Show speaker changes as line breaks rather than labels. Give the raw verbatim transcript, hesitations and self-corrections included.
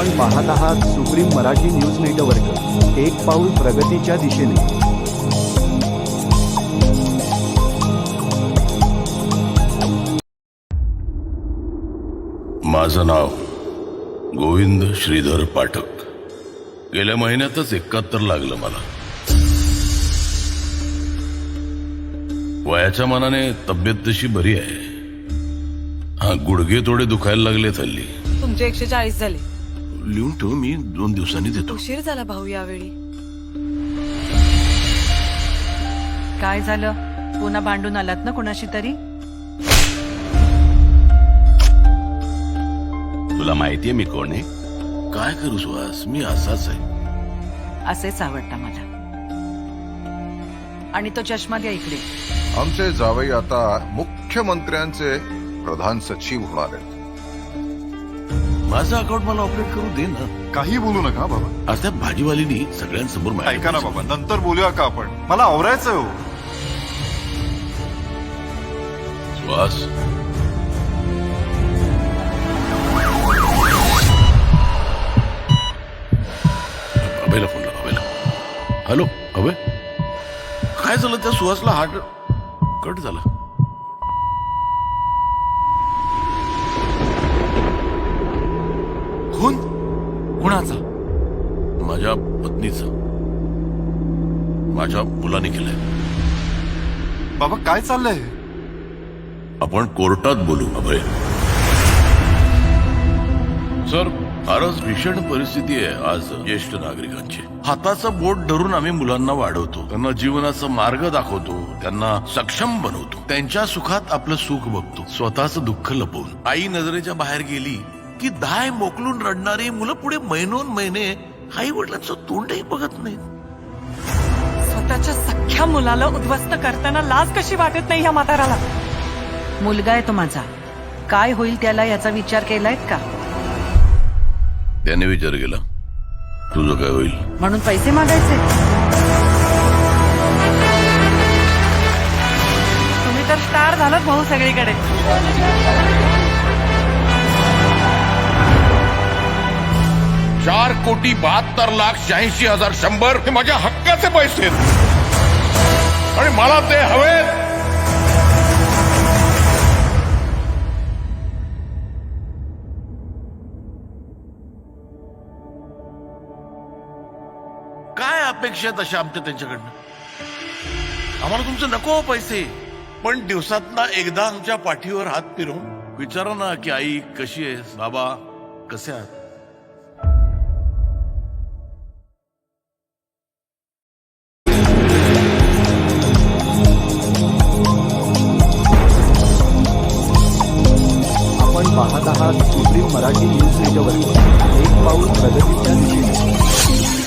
आपण पाहत आहात सुप्रीम मराठी न्यूज नेटवर्क, एक पाऊल प्रगतीच्या दिशेने।
माझं नाव गोविंद श्रीधर पाठक। गेल्या महिन्यातच एकाहत्तर लागलं मला। वयाच्या मानाने तब्येत तशी बरी आहे। हा, गुडघे थोडे दुखायला लागले हल्ली।
तुमचे एकशे चाळीस झाले।
लिहून ठेव, मी दोन दिवसांनी देतो।
उशीर झाला भाऊ यावेळी।
काय झालं? पुन्हा भांडून आलात ना कोणाशी तरी?
तुला माहितीये मी कोण आहे? काय करू सुहास, मी असाच आहे।
असेच आवडता मला। आणि तो चष्मा द्या इकडे।
आमचे जावई आता मुख्यमंत्र्यांचे प्रधान सचिव होणार आहेत।
माझं अकाउंट मला ऑपरेट करू दे ना।
काही बोलू नका बाबा।
आज त्या भाजीवालीनी सगळ्यांसमोर माझ्या-
ऐका ना बाबा, नंतर बोलूया का आपण? मला आवरायचं हो।
सुहास, अभयला फोन लाव, अभयला। हॅलो अभय, काय झालं? त्या सुहासला हार्ट कट झाला।
खून कुणाचा?
माझ्या पत्नीचा, माझ्या मुलाने केलंय।
बाबा काय चाललंय?
आपण कोर्टात बोलू अभय। सर, फारच भीषण परिस्थिती आहे आज ज्येष्ठ नागरिकांची। हाताचं बोट धरून आम्ही मुलांना वाढवतो, त्यांना जीवनाचा मार्ग दाखवतो, त्यांना सक्षम बनवतो, त्यांच्या सुखात आपलं सुख बघतो, स्वतःचं दुःख लपवून। आई नजरेच्या बाहेर गेली की दाय मोकलून रडणारी मुलं पुढे महिनोन महिने आई वडिलांचं तोंडही बघत नाही।
स्वतःच्या सख्ख्या मुलाला उद्ध्वस्त करताना लाज कशी वाटत नाही ह्या म्हाताराला?
मुलगा आहे तो माझा, काय होईल त्याला याचा विचार केलाय का?
त्याने विचार केला, तुझं काय होईल?
म्हणून पैसे मागायचे?
तुम्ही तर स्टार झालात भाऊ सगळीकडे।
चार कोटी बहात्तर लाख शहाऐंशी हजार शंभर हे माझ्या हक्काचे पैसे आहेत आणि मला ते हवेत। काय अपेक्षा आहेत अशा आमच्या त्यांच्याकडनं? आम्हाला तुमचं नको पैसे, पण दिवसातना एकदा आमच्या पाठीवर हात फिरवून विचारा ना की आई कशी आहेस, बाबा कसे आहात?
आपण पाहत आहात सुप्रीम मराठी न्यूज नेटवर्क, एक पाऊल प्रगतीच्या दिशेने।